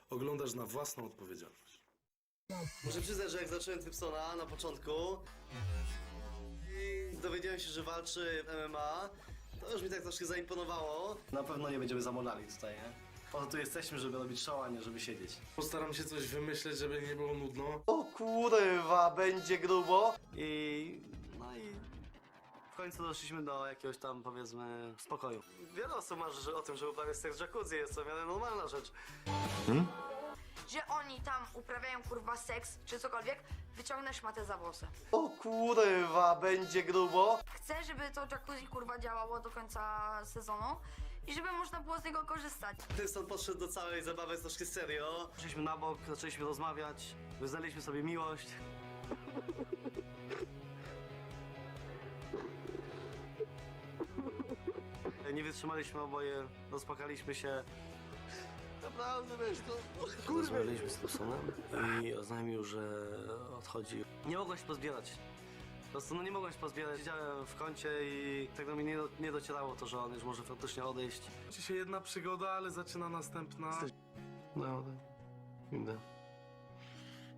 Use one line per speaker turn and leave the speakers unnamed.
oglądasz na własną odpowiedzialność.
Muszę przyznać, że jak zacząłem Typsona na początku i dowiedziałem się, że walczy w MMA, to już mi tak troszkę zaimponowało. Na pewno nie będziemy zamolali tutaj, nie? Po to tu jesteśmy, żeby robić show, a nie żeby siedzieć.
Postaram się coś wymyśleć, żeby nie było nudno.
O kurwa, będzie grubo! No i w końcu doszliśmy do jakiegoś tam, powiedzmy, spokoju. Wiele osób marzy o tym, że uprawiać seks w jacuzzi, jest to w miarę normalna rzecz.
Że oni tam uprawiają kurwa seks czy cokolwiek, wyciągnę szmatę za włosy.
O kurwa, będzie grubo!
Chcę, żeby to jacuzzi kurwa działało do końca sezonu i żeby można było z niego korzystać.
Typson podszedł do całej zabawy troszkę serio. Poszliśmy na bok, zaczęliśmy rozmawiać, wyznaliśmy sobie miłość. Nie wytrzymaliśmy oboje, rozpłakaliśmy się. Naprawdę, wiesz, to... Rozmawialiśmy z Typsonem i oznajmił, że odchodzi. Nie mogłem się pozbierać. Po prostu no nie mogłem się pozbierać. Siedziałem w kącie i tak do mnie nie docierało to, że on już może faktycznie odejść.
Kończy się jedna przygoda, ale zaczyna następna.
No, idę.